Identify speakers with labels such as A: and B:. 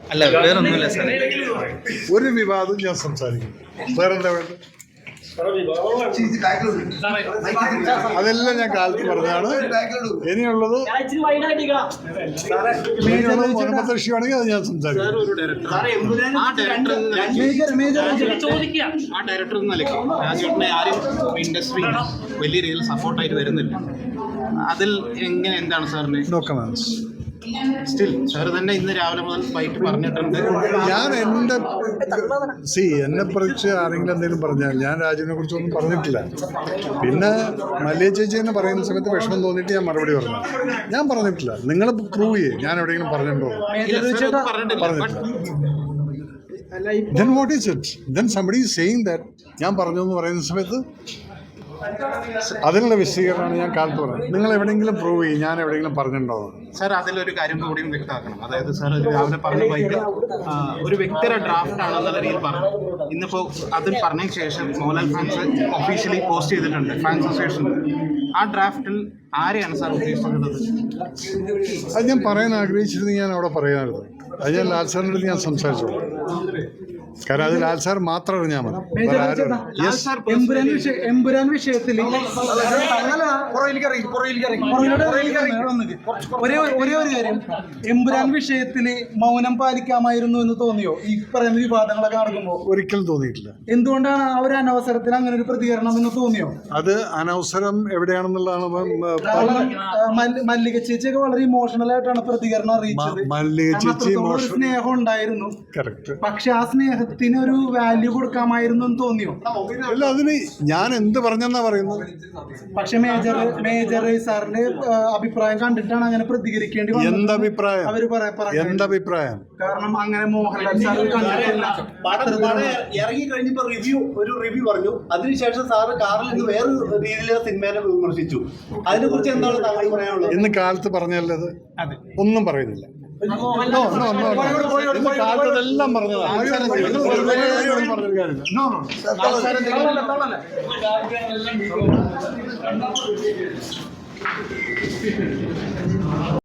A: അല്ല വേറൊന്നുമില്ല സാർ.
B: ഒരു വിവാദവും ഞാൻ സംസാരിക്കും. വേറെന്താ വേണ്ടത്? അതെല്ലാം ഞാൻ കാലത്ത് പറഞ്ഞതാണ്. ഇനിയുള്ളത് മുൻപത്തക്ഷിയാണെങ്കിൽ അത് ഞാൻ സംസാരിക്കും.
A: ആ ഡയറക്ടർ എന്ന നിലയ്ക്ക് രാജേട്ടനെ ആരും ഇൻഡസ്ട്രി വലിയ രീതിയിൽ സപ്പോർട്ടായിട്ട് വരുന്നില്ല. അതിൽ എങ്ങനെ എന്താണ് സാറിന്?
B: No comments.
A: സ്റ്റിൽ സാർ തന്നെ ഇന്ന് രാവിലെ മുതൽ ഫൈറ്റ് പറഞ്ഞിട്ടുണ്ട്.
B: ഞാൻ എന്നെ കുറിച്ച് ആരെങ്കിലും എന്തെങ്കിലും പറഞ്ഞാൽ ഞാൻ രാജുവിനെ കുറിച്ചൊന്നും പറഞ്ഞിട്ടില്ല. പിന്നെ മല്ലിക ചേച്ചി തന്നെ പറയുന്ന സമയത്ത് വിഷമം തോന്നിയിട്ട് ഞാൻ മറുപടി പറഞ്ഞു. ഞാൻ പറഞ്ഞിട്ടില്ല. നിങ്ങൾ പ്രൂവ് ചെയ്യേ ഞാൻ എവിടെയെങ്കിലും പറഞ്ഞിട്ടുണ്ടോ? Then what is it? Then somebody is saying that ഞാൻ പറഞ്ഞു എന്ന് പറയുന്ന സമയത്ത് അതിനുള്ള വിശദീകരണമാണ് ഞാൻ കാലത്ത് പറഞ്ഞത്. നിങ്ങൾ എവിടെയെങ്കിലും പ്രൂവ് ചെയ്യും ഞാൻ എവിടെയെങ്കിലും പറഞ്ഞിട്ടുണ്ടോ?
A: സാർ അതിലൊരു കാര്യം കൂടിയും വ്യക്തമാക്കണം. അതായത് സാർ രാവിലെ പറഞ്ഞ ബൈക്ക് ഒരു വ്യക്തിയുടെ ഡ്രാഫ്റ്റ് ആണെന്നുള്ള രീതിയിൽ പറഞ്ഞു. ഇന്നിപ്പോൾ അതിൽ പറഞ്ഞതിന് ശേഷം മോഹൻലാൽ ഫാൻസ് ഒഫീഷ്യലി പോസ്റ്റ് ചെയ്തിട്ടുണ്ട് ഫാൻസ് അസോസിയേഷനിൽ. ആ ഡ്രാഫ്റ്റിൽ ആരെയാണ് സാർ ഉദ്ദേശിക്കുന്നത്?
B: അത് ഞാൻ പറയാൻ ആഗ്രഹിച്ചിരുന്നെങ്കിൽ ഞാൻ അവിടെ പറയാമായിരുന്നു. അത് ഞാൻ ലാൽ സാറിൻ്റെ അടുത്ത് ഞാൻ സംസാരിച്ചോളൂ. കാരണം അത് ലാൽ സാർ മാത്രം അറിഞ്ഞാൽ മതി.
C: എമ്പുരാൻ വിഷയത്തിൽ ഒരേ ഒരു കാര്യം, എമ്പുരാൻ വിഷയത്തിൽ മൗനം പാലിക്കാമായിരുന്നു എന്ന് തോന്നിയോ ഈ പറയുന്ന വിവാദങ്ങളൊക്കെ നടക്കുമ്പോൾ?
B: ഒരിക്കലും തോന്നിയിട്ടില്ല.
C: എന്തുകൊണ്ടാണ് ആ ഒരു അനവസരത്തിൽ അങ്ങനെ ഒരു പ്രതികരണം എന്ന് തോന്നിയോ?
B: അത് അനവസരം എവിടെയാണെന്നുള്ളതാണ്.
C: മല്ലിക ചേച്ചിയൊക്കെ വളരെ ഇമോഷണൽ ആയിട്ടാണ് പ്രതികരണം അറിയിച്ചത്.
B: മല്ലിക ചേച്ചി
C: സ്നേഹം ഉണ്ടായിരുന്നു.
B: കറക്റ്റ്.
C: പക്ഷെ ആ സ്നേഹത്തിന് ഒരു വാല്യൂ കൊടുക്കാമായിരുന്നു എന്ന് തോന്നിയോ?
B: അല്ല, അതിന് ഞാൻ എന്ത് പറഞ്ഞെന്നാ പറയുന്നത്?
C: പക്ഷെ മേജർ സാറിന്റെ അഭിപ്രായം കണ്ടിട്ടാണ് അങ്ങനെ പ്രതികരിക്കേണ്ടി വന്നത്.
B: എന്തഭിപ്രായം? എന്തഭിപ്രായം?
C: കാരണം അങ്ങനെ മോഹൻലാൽ സാർ കണ്ടിട്ടില്ല.
D: ഇറങ്ങി കഴിഞ്ഞപ്പോ ഒരു റിവ്യൂ പറഞ്ഞു. അതിനുശേഷം സാറ് കാറിൽ നിന്ന് വേറെ രീതിയിലുള്ള സിനിമയെ വിമർശിച്ചു. അതിനെ കുറിച്ച് എന്താണ് താങ്കൾ പറയാനുള്ളത്?
B: ഇന്ന് കാലത്ത് പറഞ്ഞല്ലത് ഒന്നും പറയുന്നില്ല. കാലത്തെല്ലാം പറഞ്ഞതാണ്.